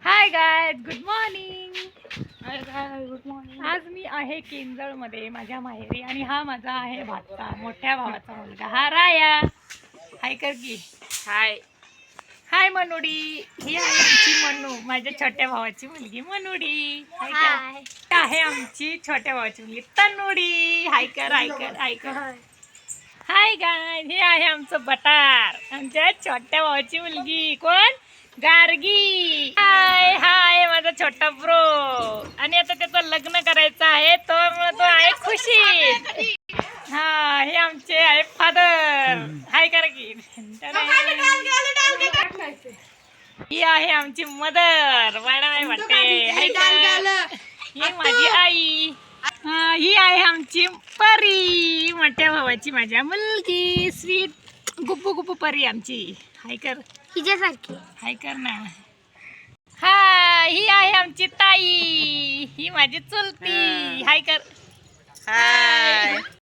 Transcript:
हाय guys, good morning. Hi good morning. आज मी आहे केंजळमध्ये माझ्या माहेरी आणि हा माझा आहे भाचा, मोठ्या भावाचा मुलगा. हा राया. हाय कर की. हाय. हाय मनोडी. ही आहे आमची मनू, माझ्या छोट्या भावाची मुलगी मनोडी. हाय कर. आहे आमची छोट्या भावाची मुलगी तनुडी. हाय कर, हाय कर, हाय कर. हाय गायज, हे आहे आमचं बटार, आमच्या छोट्या भावाची मुलगी. कोण? गार्गी. हाय हाय माझा छोटा ब्रो. आणि आता त्याचं लग्न करायचं आहे, तो आहे खुशीत. हा, हे आमचे आहे फादर. हाय करा की. ही आहे आमची मदर, वाडाबाई वाटते. हाय कर. ही माझी आई. ही आहे आमची परी, मोठ्या भावाची माझ्या मुलगी, स्वीट गुप्पू गुप्पू परी आमची. हाय कर. हिच्यासारखी. हाय कर ना. हा, ही आहे आमची ताई, ही माझी चुलती. हाय कर. हाय.